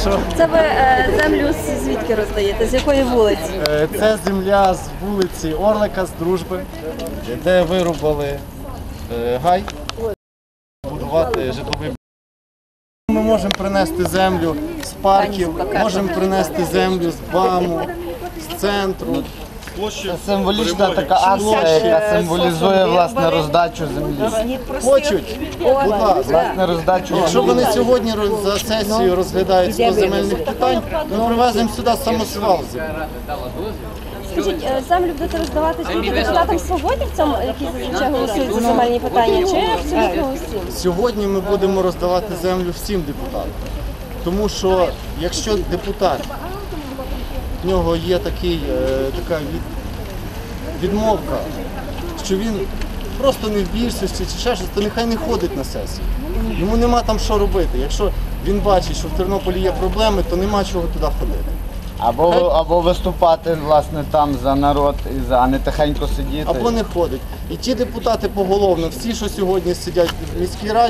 Прошу. Це ви землю звідки роздаєте? З якої вулиці? Це земля з вулиці Орлика, з Дружби, де вирубали гай, будувати житловий. Ми можемо принести землю з парків, можемо принести землю з БАМу, з центру. Це символічна така акція, яка символізує власне роздачу землі. Хочуть, будь ласка. Власне роздачу Якщо землі. вони сьогодні за сесію розглядають 100 земельних питань, ми привеземо сюди самосвал землі. Скажіть, землю будете роздавати тільки депутатам свободівцям, які зазвичай голосують за земельні питання, чи абсолютно усім? Сьогодні ми будемо роздавати землю всім депутатам. Тому що якщо депутат, в нього є така відмовка, що він просто не в більшості чи ще щось, то нехай не ходить на сесію. Йому нема там що робити. Якщо він бачить, що в Тернополі є проблеми, то нема чого туди ходити. Або виступати власне там за народ, а не тихенько сидіти. Або не ходить. І ті депутати поголовно, всі, що сьогодні сидять в міській раді,